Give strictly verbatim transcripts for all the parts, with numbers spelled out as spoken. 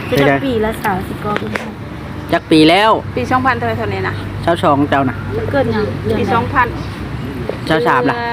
จะจักปีละสาวสิกอเป็นจักปีแล้วปีสองพันเท่าไหร่เท่านี้นะเช้าสองเจ้าน่ะเกิดยังปีสองพันเช้าสามล่ะ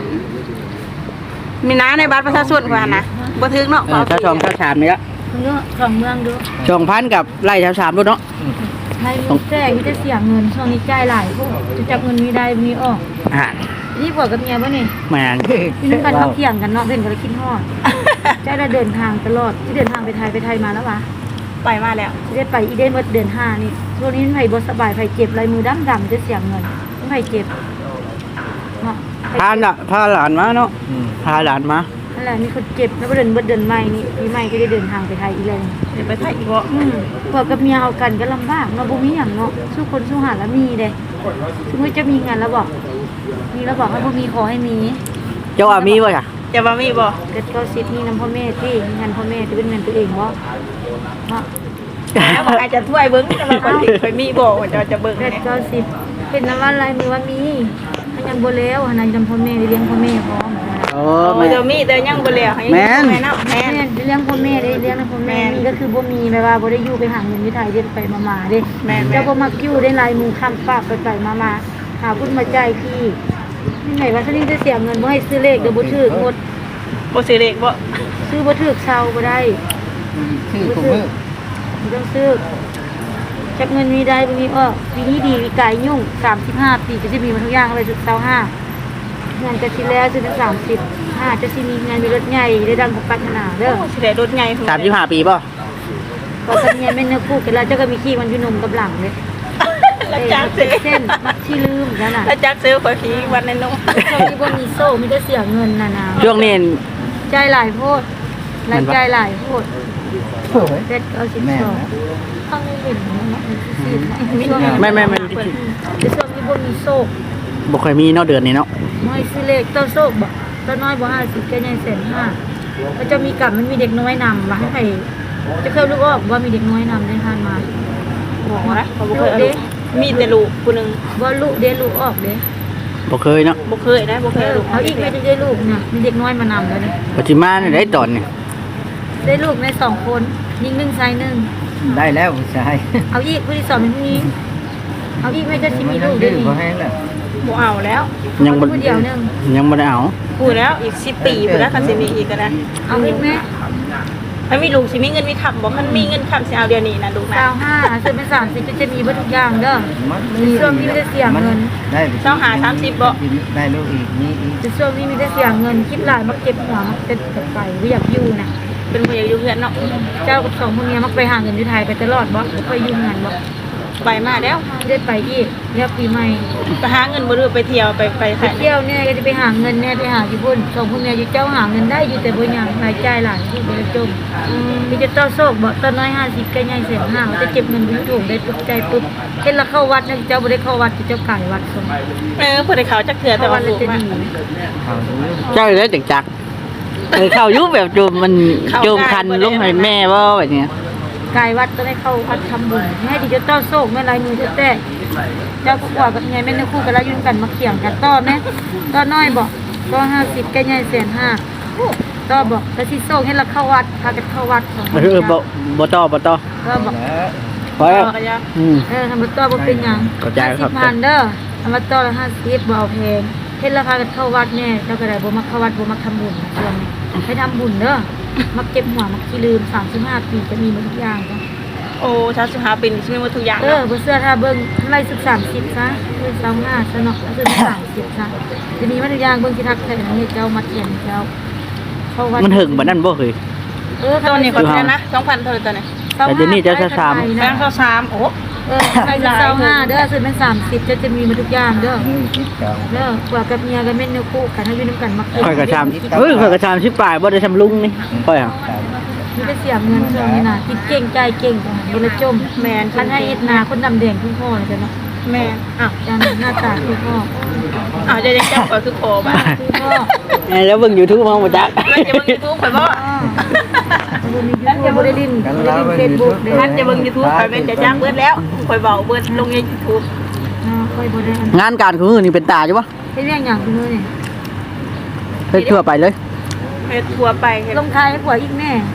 มีน้าในบัตรประชาชนกว่านะบ่ถึงเนาะเช้าสองเช้าสามนี่ละเนาะสองเมืองดูสองพันกับไล่เช้าสามด้วยเนาะให้แจ้งมีแต่เสียเงินช่วงนี้จ่ายหลายพวกจะจับเงินมีได้มีออกอ่านี่ผัวกับเมียป่ะนี่แม่นพี่น้องกันเขาเที่ยงกันเนาะเพิ่นก็เลยคิดฮอดจะได้เดินทางตลอดที่เดินทางไปไทยไปไทยมาแล้ววะไปมาแล้วที่ได้ไปอีเดนเมื่อเดือนห้านี่ช่วงนี้ไผบ่สบายไผเจ็บลายมือดำดำจะเสียเงินไผเจ็บเนาะพาน่ะพาหลานมาเนาะพาหลานมานั่นแหละมีคนเจ็บแล้วเดินเบิดเดินใหม่นี่ปีใหม่ก็ได้เดินทางไปไทยอีกแล้วเดี๋ยวไปไทยอีกบ่อืมผัวกับเมียเอากันก็ลำบากเนาะบ่มีหยังเนาะสู้คนสู้หาแล้วมีเด้สมมุติจะมีงานแล้วบอกมีแล้วบอกว่าบ่มีขอให้มีเจ้าว่ามีบ่จ้ะจะบ่มีบ่เกิดเก้าสิบมีนำพ่อแม่ที่มีงานพ่อแม่ที่เป็นเงินตัวเองบ่เนาะแล้วบอกอาจจะถ้วยเบิ้งแต่ว่าคนที่เคยมีบอกว่าจะจะเบิ้งเนี่ยเก้าสิบเป็นน้ำว่าลายมือว่ามีถ้ายังบ่แล้วหานายจำพ่อแม่ได้เลี้ยงพ่อแม่พร้อมโอ้ไม่จะมีแต่ยังบ่แล้วให้แม่แม่แม่เลี้ยงพ่อแม่ได้เลี้ยงพ่อแม่นี่ก็คือบ่มีแบบว่าบ่ได้อยู่ไปหาเงินที่ไทยเด้ไปมาๆเด้เจ้าบ่มักอยู่ได้ลายมือค้ำฝากไปๆมาๆหาพุ่นมาจ่ายพี่นี่ไหนว่าถ้านี่จะเสียเงินบ่ให้ซื้อเลขเดี๋ยวบ่ถูกหมดบ่ซื้อเลขบ่ซื้อบ่ถูกเซาบ่ได้ซื้อถูกมื้อต้องซื้อจับเงินมีได้บางทีเออปีนี้ดีวิกายยุ่งสามสิบห้าปีจะจะมีมาทุกอย่างอะไรจุดเสาห้างานจะทีแล้วจะเป็นสามสิบห้าจะซีมีงานมีรถใหญ่ได้ดังกับปัฒนาเด้อสิได้รถใหญ่สามสิบห้าปีป่ะก็ทำเนียไม่เนื้อคู่กันแล้วเจ้าก็มีขี้มันอยู่นมกับหลังเลยแล้วจักซื้อเส้นมัดที่ลืมกันน่ะแล้วจักซื้อขอยขี้วันในนมช่วงนี้บ่มีโซ่มีแต่เสียเงินน่ะนะช่วงนี้ใจหลายโพดหลายใจหลายโพดเด็ดเอาสิบสองข้างนี้เห็นไม่ไม่ไม่จะช่วงนี้บ่มีโซ่บ่เคยมีเนาะเดือนนี้เนาะน้อยซื้อเลขต้นโซ่บ่ต้นน้อยบ่ห้าสิบแค่ใหญ่แสนห้าก็จะมีกับมันมีเด็กน้อยนำมาให้ใครจะเคยรู้ว่าว่ามีเด็กน้อยนำได้ทานมาบอกว่าเขาบ่เคยมีแต่ลูกผู้นึงว่าลูกเด้ลูกออกเด้บ่เคยเนาะบ่เคยได้บ่เคยลูกเอาอีกไม่ได้ลูกเนี่ยมีเด็กน้อยมานำแล้วนี่ปัจจุบันได้ตอนนี่ได้ลูกในสองคนยิงหนึ่งชายหนึ่งได้แล้วชายเอาอีกผู้ที่สองเป็นผู้หญิงเอาอีกไม่จะสิมีลูกได้ดีบ่เอาแล้วยังบ่ผู้เดียวนึงยังบ่ได้เอาพูดแล้วอีกสิบปีพุ่นแล้วคันสิมีอีกก็ได้เอาอีกแม่ถ้ามีลูกสิมีเงินมีคำบ่คันมีเงินคำสิเอาเดี๋ยวนี้นะลูกนะเก้าห้าซื้อเป็นสามสิบจะมีเบิดทุกอย่างเด้อในช่วงนี้ไม่ได้เสียเงินเจ้าหาสามสิบบ่ได้ลูกอีกนี่ในช่วงนี้ไม่ได้เสียเงินคิดหลายมักเก็บหัวมักเป็นไปไม่อยากอยู่นะเป็นคนอยากอยู่เพื่อนเนาะเจ้ากับสองคนนี้มักไปหาเงินที่ไทยไปตลอดบ่ไปยุ่งงานบ่ไปมาแล้วได้ไปอีกแล้วปีใหม่ไปหาเงินบ่รู้ไปเที่ยวไปไปเที่ยวเนี่ยก็จะไปหาเงินเนี่ยไปหาญี่ปุ่นสองคนเนี่ยอยู่เจ้าหาเงินได้อยู่แต่บ่ยังรายจ่ายหลายที่บ่ได้จมมีจะต้อโซกบ่ต้นน้อยห้าสิบก็ใหญ่แสนห้าจะเก็บเงินบ่ถูกได้ตกใจปุ๊บเฮ็ดละเข้าวัดนะเจ้าบ่ได้เข้าวัดเจ้าไก่วัดส่งเออบ่ได้เข้าจักเทื่อแต่ว่าลูกว่าเจ้าได้จักจักเออเข้ายุบแบบโจมมันโจมคันลงให้แม่บ่แบบนี้กายวัดก็ได้เข้าวัดทำบุญให้ดิเจ้าต้อโซกแม่ลายมือเต้เจ้าก็กว่ากับไงแม่เนื้อคู่กันแล้วยุ่งกันมาเขี่ยงกันต้อแม่ต้อน้อยบอกต้อห้าสิบแก่ใหญ่แสนห้าต้อบอกแต่ที่โซกให้เราเข้าวัดพากันเข้าวัดของเออบ่บ่ต้อบ่ต้อต้อบอกพอแล้วอืมเออทำมาต้อบ่เป็นยังห้าสิบพันเด้อทำมาต้อละห้าสิบบ่เอาแพงเฮ็ดราคากันเข้าวัดแน่เจ้าก็ได้บ่มักเข้าวัดบ่มักทำบุญนะช่วงนี้ให้ทำบุญเด้อมักเก็บหัวมักขี้ลืมสามสิบห้าปีจะมีหมดทุกอย่างจ้ะโอ้สามสิบห้าปีใช่ไหมว่าทุกอย่างเออบ่เสื้อถ้าเบิ่งไล่สิบสามสิบซะคือสองห้าซะเนาะคือสามสิบซะจะมีมาทุกอย่างเบิ่งสิทักแท้นี่เจ้ามาเขียนเจ้าเข้าวัดมันถึงบ่นั่นบ่เคยเออตอนนี้ก็แค่นะสองพันเท่าตอนนี้แต่เดี๋ยวนี้เจ้าสามแบงค์เท่าสามโอ้เออใครจะเศร้าห้าเด้อซื้อเป็นสามสิบจะจะมีมาทุกอย่างเด้อเด้อกว่ากับเมียกับแม่เนื้อคู่กันให้พี่น้ำกันมาค่อยกระชามเฮ้ยค่อยกระชามชิบปลายบ่ได้ทำลุงนี่ค่อยอ่ะมีแต่เสียเงินเชื่อนี่นะคิดเก่งใจเก่งบริจมแมนท่านให้เอ็ดนาคนดำแดงคุณพ่อเลยจ้ะเนาะแมนอ้าวจานหน้าตาคุณพ่ออ้าวจะยังจับก็คือโผล่บ้าคุณพ่อแล้วเบิ่งยูทูบมองบ่จักแล้วจะเบิ่งยูทูบข่อยบ่ท่านจะบ่ได้ลิ้นบ่ได้ลิ้นเฟซบุ๊กท่านจะเบิ่งยูทูบข่อยเป็นจะจ้างเบิดแล้วข่อยเบาเบิดลงในยูทูบค่อยบ่ได้งานการคือนี่เป็นตาใช่ปะเฮ็ดเรื่องอย่างคือนี่เฮ็ดทั่วไปเลยเฮ็ดทั่วไปลงท้ายให้ผัวอีกแม่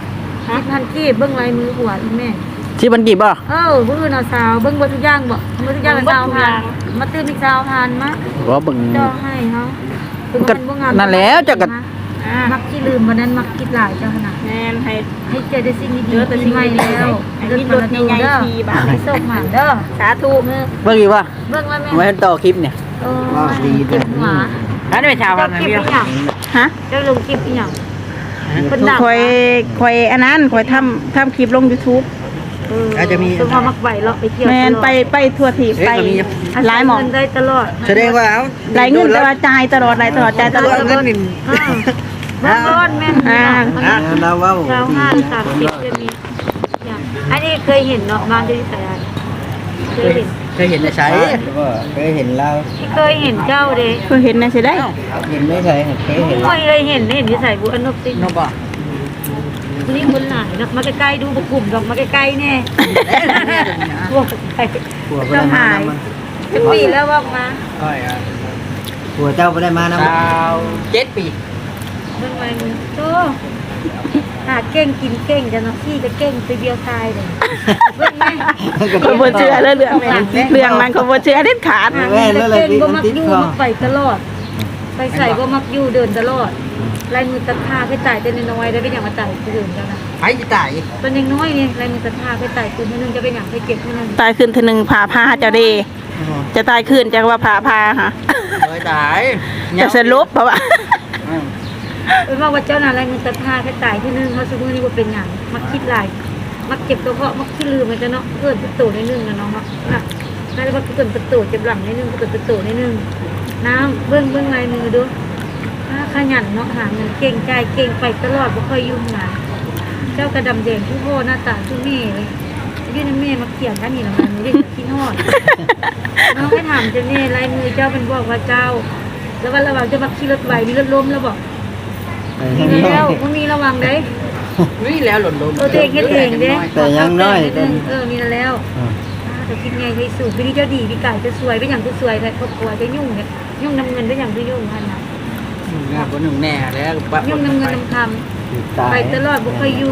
สิบพันกีบเบิ่งลายมือหัวอีแม่ที่มันกี่บ่เออบื้อเอาสาวเบิ่งเบ่ทุกอย่างบ่เบ่ทุกอย่างสาวผ่านมาตื้มอีกสาวผ่านมาบ่เบิ่งเจ้าให้เฮาก็นั่นแล้วเจ้าก็อ่ามักที่ลืมวันนั้นมักคิดหลายเจ้าขนาดแม่นให้ให้เจอได้สิ่งดีเจอแต่ๆสิ่งใหม่ดีๆแล้วให้มีรถใหญ่ๆขี่บาทให้โชคหมานเด้อสาธุมือเบิ่งอีกบ่เบิ่งแล้วแม่ไว้ต่อคลิปเนี่ยเออเก็บหัวอันนี้เป็นชาวพัเจ้านธุ์นะคลิปพี่อีหยังฮะเจ้าลงคลิปอีหยังเพิ่นดังคอยคอยอันนั้นคอยทำทำคลิปลง YouTube เอออาจจะมีคือพอมักไหวเลาะไปเที่ยวแม่นไปไปทั่วที่ไปหลายหมองเงินได้ตลอดแสดงว่าเอาหลายเงินแต่ว่าจ่ายตลอดหลายตลอดจ่ายตลอดเงินนี่บ้านร้อนแม่นอ่าอ่ะเราเว้าเช้าห้าสามสิบจะมีอย่างอันนี้เคยเห็นเนาะบ้านที่สายานเคยเห็นเคยเห็นในใช้เคยเห็นเราที่เคยเห็นเจ้าเด้เคยเห็นนะสิได้เห็นไม่เคยเคยเห็นไม่เคยเห็นเห็นที่ใส่บุอนนกตินบ่วันนี้คนหลายเนาะมาใกล้ๆดูบุกกลุ่มดอกมาใกล้ๆแน่บวกใกล้ต้องหายจะปีแล้วบอกมาค่อยอ่ะผัวเจ้าบ่ได้มานำดาวเจ็ดปีเรื่องอะไรมึงโตหาเก่งกินเก่งจะเนาะพี่จะเก่งไปเดียวตายเลยเรื่องไหมเขาบ่เชื่อเรื่องเรื่องนั้นเรื่องนั้นเขาบ่เชื่อเด็ดขาดหาเงินจะเก่งบ่มักอยู่มักไปตลอด ไปใส่บ่มักอยู่เดินตลอดลายมือตะท่าไปจ่ายแต่น้อยๆได้เป็นอย่างมาจ่ายคืนกันนะไผสิตายตอนยังน้อยนี่ลายมือตะท่าไปจ่ายคืนเท่านึงจะเป็นอย่างไปเก็บเท่านึงตายคืนทีหนึงผ่าผ้าเจ้าเดจะตายคืนจังว่าผ่าผ้าฮะโดยตายจะสรุปเพราะว่าเป็นว่าว่าเจ้าน่ะลายมือตะท่าไปจ่ายเท่านึงเขาสมมุตินี่ว่าเป็นอย่างมักคิดหลายมักเจ็บตัวเพราะมักขี้ลืมมันจะเนาะเกิดประตูในนึงนะน้องมักน่ะน่าจะว่าเกิดประตูเจ็บหลังในนึงเกิดประตูในนึงน้ำเบื้องเบื้องลายมือดูขยันเนาะหาเงินเก่งใจเก่งไปตลอดบ่ค่อยยุ่งงานเจ้ากระดำแดงทุกโหหน้าตาทุกเม่เลยยื่นแม่มาเขียนกันนี่ละมันไม่ได้คิดฮอดน้องให้ถามเจ้าเน่ลายมือเจ้าเป็นบอกว่าเจ้า แล้วว่าระวังจะมาขี่รถไหวมีรถล้มแล้วบอกมีแล้วมันมีระวังเด้นี่แล้วหล่นลงเออตัวเองเฮ็ดเองเด้แต่ยังน้อยเออมีแล้วแต่คิดไงให้สูบพี่นี่เจ้าดีพี่ไก่จะสวยเป็นอย่างที่สวยแต่ครอบครัวจะยุ่งเนี่ยยุ่งนำเงินเป็นอย่างที่ยุ่งพันนะงานคนหนึ่งแน่แล้วยุ่งนำเงินนำคำไปตลอดบุคคลอยู่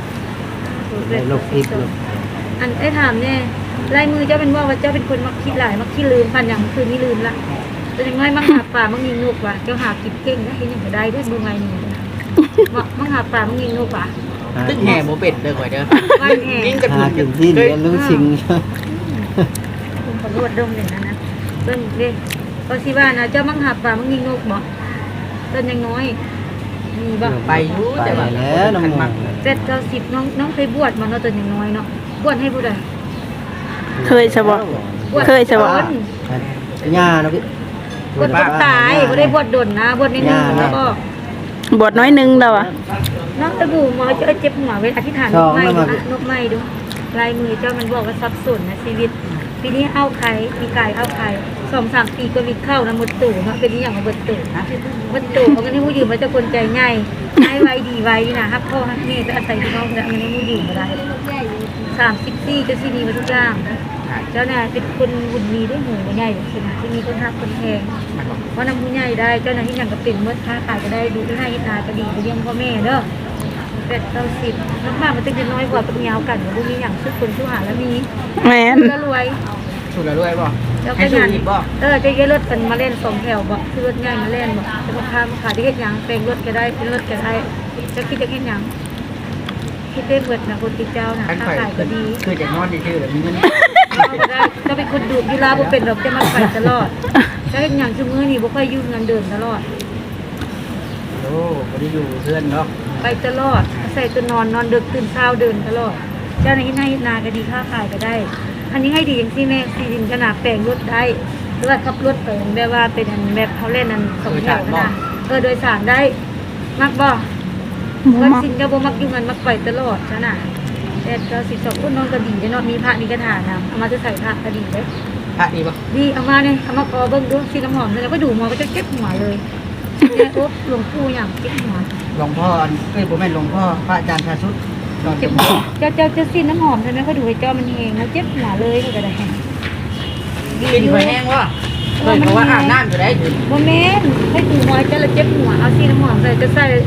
อันไอ้ถามเนี่ยลายมือเจ้าเป็นว่าว่าเจ้าเป็นคนมักคิดหลายมักคิดลืมพันอย่างคืนนี้ลืมละแต่ยังไงมักหาป่ามักยิงนกว่ะเจ้าหากินเก่งนะเห็นอย่างไรได้ด้วยมือไงนี่มักหาป่ามักยิงนกว่ะตึ้งแห่โมเป็ดเด้อข่อยเด้อว่านแห่กินกระดูกถึงที่เรียนรู้สิ่งผมขอรวดดมเลยนะนะเพิ่นเด้ก็สิว่านะเจ้ามักหาป่ามักยิงนกบ่ต้นยังน้อยมีบ่ไปรู้แต่ว่าแล้วน้องมักเจ็ดเก้าสิบน้องน้องเคยบวชมาเนาะตอนยังน้อยเนาะบวชให้ผู้ใดเคยสบบวชเคยใช่บ่ย่าเนาะพี่บวชคนตายบ่ได้บวชดนนะบวชนิดนึงแล้วก็บทน้อยหนึงแล้วอ่ะน้องตะบูหมอเจ้าเจ็บหัวเวทอธิษฐานนกไม้ดูนะนกไม้ดูลายมือเจ้ามันบอกว่าสับสนนะชีวิตปีนี้เอาไข่ปีกายเอาไข่สองสามปีก็มีเข้านะหมดตู่เนาะเป็นอย่างของหมดตู่หมดตู่เขาก็นี่ผู้ยืมมาเจ้าคนใจง่ายให้ไวดีไวนะฮักพ่อฮักแม่จะอาศัยพี่น้องแต่มันไม่ผู้ยืมมาได้สามสิบสี่เจ้าที่ดีมาทุกอย่างเจ้าเนี่ยเป็นคนบุญมีด้วยหูใหญ่เลยนะที่มีคนหักคนแพงเพราะนำผู้ใหญ่ได้เจ้าหน้าที่อย่างก็เป็นเมื่อค้าขายก็ได้ดูที่ให้นาก็ดีไปเลี้ยงพ่อแม่เด้อเป็ดเก้าสิบน้ำบ้านมันต้องจะน้อยกว่าเป็นเงากันพวกนี้อย่างชุดคนชุดหาแล้วมีแม่นก็รวยสุดแล้วด้วยบ่แล้วให้ก็สุดงานอีกบ่เออจะเยอะรถกันมาเล่นสองแถวบ่คือรถใหญ่มาเล่นบ่จะมาพามาขายที่เฮ็ดหยังเป็นรถก็ได้เป็นรถก็ได้จะคิดจะเฮ็ดหยังคิดได้เบิดนะคนติดเจ้านะอันค้าข่อยขายก็ดีคือจากนอนชื่อแบบมีเงินเอาก็ได้ก็เป็นคนดูดยีราบ่เป็นดอกจะมาไปตลอดจะเฮ็ดหยังซุมื้อนี้บ่ค่อยยุ่งเงินเดินตลอดโอ้บ่ได้อยู่เพื่อนเนาะไปตลอดใส่ตัวนอนนอนดึกตื่นเช้าเดินตลอด เจ้าหน้าที่นานาก็ดีค้าขายก็ได้ อันนี้ให้ดีอย่างที่แม่ซีดินขนาดแปลงรถได้หรือว่าขับรถไปแบบว่าเป็นอันแบบเขาเล่นอันสองแถวนะเออโดยสารได้ มักบ่วันสินก็บ่มักอยู่กันมักไปตลอดซะน่ะแต่เก้าสิบสองคนน้องก็ดีเด้เนาะมีพระมีกระถานำเอามาจะใส่พระก็ดีเด้พระดีบ่ดีเอามาเนี่ยเอามาขอเบิ่งดูสีน้ำหอมแล้วก็ดูหมอก็จะเก็บหัวเลยเนี่ยโอ๊บหลวงปู่อย่างเก็บหัวหลวงพ่อเอ้ยบ่แม่นหลวงพ่อพระอาจารย์ชาชุดนอนเจ็เจ็บบ หัหัววเจ้าเจ้าเจ้าซีนน้ำหอมใช่ไหมเขาดูให้เจ้ามันเองแล้วเจ็บหัวเลยก็ได้กินไปแห้งวะเฮ้ยเพราะว่าอาบน้ำอยู่ได้ถึงโมเมนต์ให้ดูหัวเจ้าแล้วเจ็บหัวเอาซีนน้ำหอมใส่จะใส่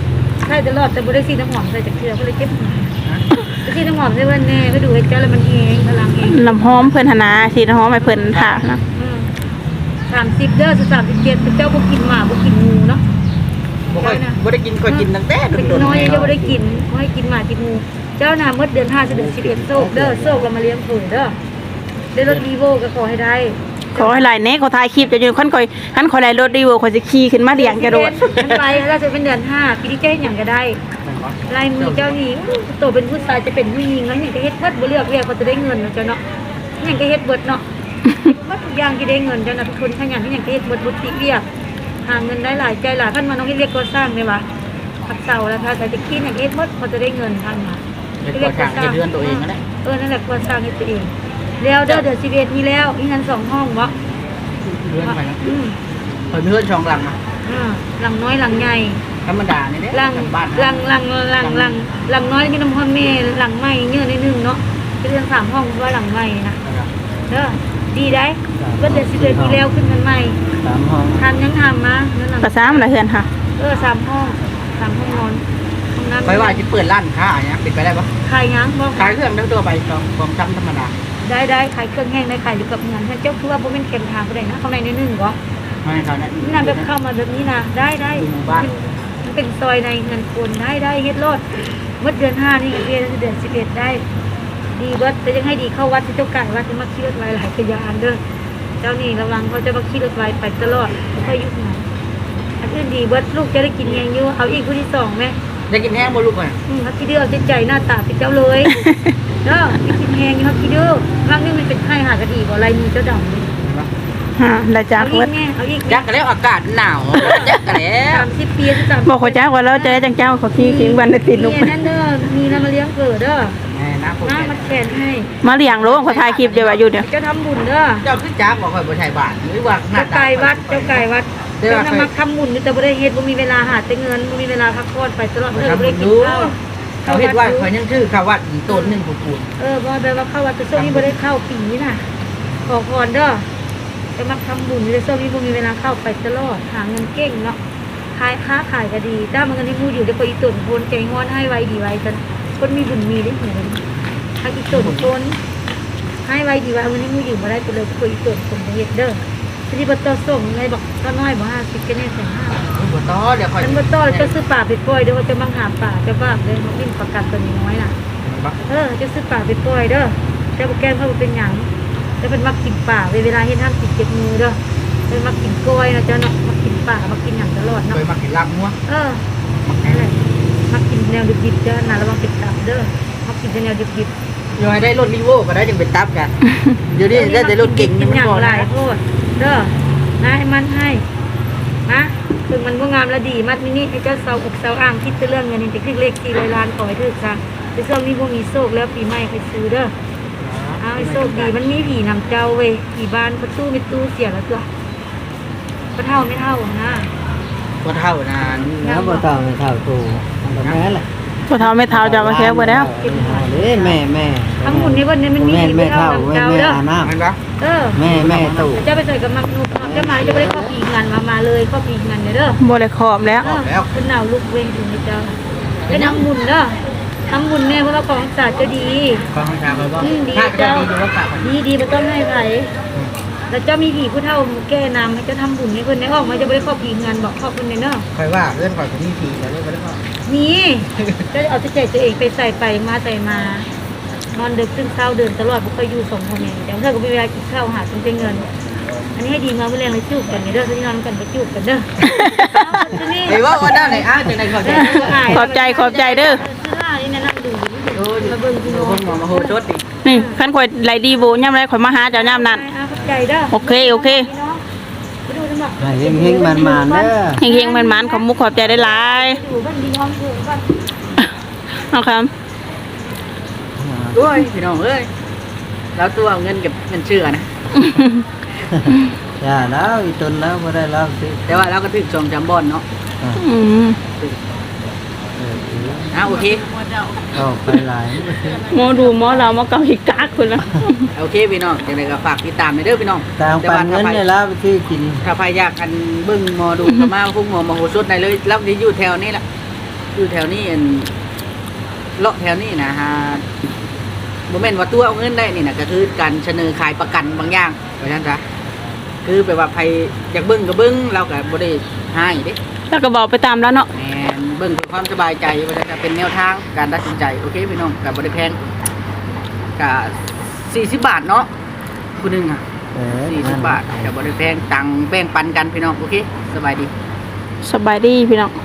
ใช่ตลอดแต่บ่ได้สีน้ำหอมใส่จากเทือก็เลยเจ็บหัวไปสีน้ำหอมใส่เพิ่นแน่ไปดูให้เจ้าแล้วมันเองพลังเองน้ำหอมเพิ่นหนนาสีน้ำหอมให้เพิ่นค่ะนะสามสิบเด้อสามสิบเจ็ดเจ้าบ่กินหมาบ่กินงูเนาะบ่ค่อยบ่ได้กินค่อยกินตั้งแต่เป็นโดนน้อยๆยังบ่ได้กินบ่ให้กินหมากินงูเจ้าน่ะเมื่อเดือนห้าจะเดือนสิบเอ็ดโซกเด้อโซกเรามาเลี้ยงเพิ่นเด้อได้รถวีโวก็ขอให้ได้ขอให้หลายแน่เขาถ่ายคลิปจะอยู่คันคอยคันคอยไล่รถดีเวอร์คอยสิขี่ขึ้นมาเลี้ยงกระโดดมันไปแล้วจะเป็นเดือนห้าปีนี้เจ้าหยังก็ได้ลายมือเจ้านี่โตเป็นผู้ชายจะเป็นผู้หญิงแล้วหยังก็เฮ็ดเบิดบ่เลือกเรียกเขาจะได้เงินเนาะเจ้าเนาะหยังก็เฮ็ดเบิดเนาะว่าทุกอย่างที่ได้เงินเจ้าน่ะเป็นคนขยันที่หยังก็เฮ็ดเบิดบ่ติเรียกหาเงินได้หลายใจหลายท่านมาน้องเฮ็ดเรียกก่อสร้างได้ว่าพักเสาแล้วถ้าจะจะคิดหยังเฮ็ดเบิดเขาจะได้เงินท่านมาเป็นตัวทางที่เดือนตัวเองนั่นแหละเออนั่นแหละก่อสร้างให้ตัวเองแล้วเด้อเดือนสิบเอ็ดมีแล้วอีนั้นสองห้องบ่เดือนไปนะอืมเพิ่นเฮือนช่องหลังนะอ่าหลังน้อยหลังใหญ่ธรรมดานี่เด้หลังบ้านหลังหลังหลังหลังหลังน้อยมีน้ำพ่อแม่หลังใหม่เยอะนิดนึงเนาะเป็นเรื่องสามห้องว่าหลังใหม่นะเด้อดีได้เพิ่นเดือนสิบเอ็ดมีแล้วขึ้นกันใหม่สามห้องทำยังทำมานั่นน่ะภาษามันละเฮือนค่ะเออสามห้องสามห้องนอนห้องน้ำไปว่าสิเปิดร้านค้าอย่างเงี้ยเป็นไปได้ปะขายยังบ่ขายเครื่องทั้งตัวไปของของจำธรรมดาได้ได้ขายเครื่องแห้งได้ขายอยู่กับเงินถ้าเจ้าคือว่าบ่เป็นเข็มทางก็ได้นะข้างในนิดนึงก็ไม่เขาเนี่ยนี่นะแบบเข้ามาแบบนี้นะได้ได้อยู่หมู่บ้านมันเป็นซอยในเงินคนได้ได้เฮ็ดรอดเมื่อเดือนห้านี่เดือนเดือนสิบเอ็ดได้ ดีเบิดแต่ยังให้ดีเข้าวัดที่เจ้าไก่วัดจะมาขี่รถไว้หลายขยานเด้อเจ้านี่ระวังเขาจะมาขี่รถไว้ไปตลอดไม่ค่อยยุบหนอันอื่นดีเบิดลูกจะได้กินแยงอยู่เอาอีกผู้ที่สองไหมจะกินแห้งบ่ลูกอ่ะอืมเขาคิดเดือเอาใจใจหน้าตาเป็นเจ้าเลยเด้อไปกินแหงอยู่เขาคิดเดือบางนี่มันเป็นไข้หากระดีบ่อะไรมีเจ้าดำเลยฮะละจากเอาอีเบิดกแม่เอาอีกจักกันแล้วอากาศหนาวจักกันแล้วสามสิบปีสามบอกเขาจ้าว่าเราจะได้จังเจ้าเขาขี่ขิงวันได้ติดลูกนี่นั่นเด้อมีน้ำมาเลี้ยงเกิดเด้อแม่นะผมน้ำมันแขนให้มาเลี้ยงโลงเขาถ่ายคลิปเดี๋ยวว่าอยู่เดี๋ยวเจ้าทำบุญเด้อเจ้าคือจักบอกค่อยบ่ใช่บาทหรือว่าหน้าเจ้าไก่วัดเจ้าไก่วัดเจ้าเจ้านำมาทำบุญแต่บ่ได้เฮ็ดบ่มีเวลาหาแต่เงินบ่มีเวลาพักผ่อนไปตลอดเด้อบ่ได้กินข้าวเขาเฮ็ดว่าเขายังชื่อเขาวัดอีต้นหนึงปูนเออบ่แปลว่าเข้าวัดแต่ช่วงนี้บ่ได้เข้าปีน่ะขอพรเด้อจะมาทำบุญแต่ช่วงนี้บ่มีเวลาเข้าไปตลอดหาเงินเก่งเนาะขายค้าขายก็ดีถ้ามันเงินที่มูอยู่เดี๋ยวก็อีตุ่นโพนใจงอนให้ไว้ดีไว้กันคนมีบุญมีได้เหมือนถ้าอีตุ่นโพนให้ไว้ดีไว้วันนี้มูอยู่บ่ได้ไปเลยคุยอีตุ่นผมเฮ็ดเด้อทีนี้บ่ต่อส่งไงบอกก็น้อยบ่ห้าสิบก็แน่แสนห้าๆบ่ต่อเดี๋ยวค่อยฉันบ่ต่อจะซื้อป่าไปปล่อยเด้อจะบังหาป่าจะบ้าเลยมันวิ่งประกันตัวนี้น้อยน่ะเออจะซื้อป่าไปปล่อยเด้อจะบ่แก้เขาเป็นหยังจะเป็นมักกินป่าเวลาเฮ็ดห้ามกินเจ็บมือเด้อเป็นมักกินกล้วยนะเจ้าเนาะมักกินป่ามักกินหยังตลอดเคเนาะยมากินลาบงัวเออนั่นแหละมักกินแนวดิบๆเด้อน่ะระวังเป็นตับเด้อมักกินแต่แนวดิบๆอยู่ให้ได้รถรีโวก็ได้จังเป็นตับกันเดี๋ยวนี้ได้แต่รถเก่งนี่มันอย่างบ่หได้ลายโทษเด้อนะให้มันให้นะถึงมันบ่งามและดีมัดมินิให้เจ้าเสาอกเสาอ่างคิดแต่เรื่องเงินนี่จะคลิกเลขสี่ร้อยล้านขอให้ถึกซะแต่ช่วงนี้บ่มีโชคแล้วปีใหม่ไปซื้อเด้อเอาให้โชคดีมันมีผีนำเจ้าเว้ยผีบ้านประตูไม่ตู้เสียแล้วตัวบ่เท่าไม่เท่านะบ่เท่านานแล้วบ่ต้องไม่เท่าตูมันก็แม่แหละพอเท้าไม่เท้าจะมาแค่บ่แล้วเด้แม่แม่ทั้งหมดนี้วันนี้มันมีแม่ผีแม่บ่เท่าเท่านํแม่เจ้าแม่เด้ออาน้แม่นบ่เออำแม่แม่ตู่เจ้าไปใส่กับมักนุกเจ้ามาจะบ่ได้เข้าผีงานมามาเลยเข้าผีงานเด้อบ่ได้ขอบแล้วเออเป็นหนาวลูกเวงถึงเจ้าเป็นน้ำบุญเด้อทำบุญแน่เพราะว่าของศาสตร์จะดีฟังทางไปบ่อืมดีถ้าจะเจ้าดีอยู่ว่าฝากมันดีดีไม่ต้องให้ไผแล้วเจ้ามีผีผู้เฒ่าแก้นำให้เจ้าทำบุญให้เพิ่นได้ออกมาจะบ่ได้เข้าผีงานบอกเข้าเพิ่นเด้อค่อยว่าเรื่องข่อยก็มีทีแต่เรื่องบ่ได้ก็มีก็เอาแต่ใจตัวเองไปใส่ไปมาใส่มานอนดึกตื่นเช้าเดินตลอดบ่เคยอยู่สองคนนี่แต่เธอก็มีเวลากินข้าวหาจนเป็นเงิน อันนี้ให้ดีมาเมื่อแรงเลยจูบกันเด้อที่นอนกันไปจูบกันเด้อไอ้ว่าว่าด้านไหนอ้าวจังได๋เขาจะขอบใจขอบใจเด้อนี่นะนั่งดูโอ้ยมาเบิ่งพี่น้องเพิ่นมามาโหชดดินี่คันข่อยไหลดีโบย่ำไรข่อยมาหาเจ้าย่ำนั้นขอบใจเด้อโอเคโอเคไปดูจังหวะให้เฮงๆมันๆเด้อเฮงๆมันๆขอบมุกขอบใจได้หลายดูบ้านดีน้องเถิดบ้านเอาครับโอ้ยพี่น้องเอ้ยแล้วตัวเอาเงินเก็บเงินเชื่อนะอย่าแล้วอีตนแล้วบ่ได้แล้วสิแต่ว่าเราก็ถึกสองจำบอนเนาะอืมเอออ่ะโอเคเอาไปหลายหมอดูหมอเราหมอเกาหิกากคนละโอเคพี่น้องจังไดก็ฝากติดตามในเด้อพี่น้องตามปันเงินนี่แล้วที่กินถ้าใครอยากกันเบิ่งหมอดูก็มาพุ่งหมอมาโหชดได้เลยแล้วนี่อยู่แถวนี้ล่ะอยู่แถวนี้อันเลาะแถวนี้นะฮะบ่แม่นว่าตัวเอาเงินได้นี่นะก็คือการเสนอขายประกันบางอย่างเพราะฉะนั้นจ้ะคือแปลว่าใครอยากเบิ่งก็เบิ่งเราก็บ่ได้ให้เด้แล้วก็บอกไปตามแล้วเนาะแม่นเบิ่งเพื่อความสบายใจเพราะฉะนั้นก็เป็นแนวทางการตัดสินใจโอเคพี่น้องก็บ่ได้แพงก็สี่สิบบาทเนาะผู้หนึงอ่ะเออสี่สิบบาทก็บ่ได้แพงตังค์แบ่งปันกันพี่น้องโอเคสบายดีสบายดีพี่น้อง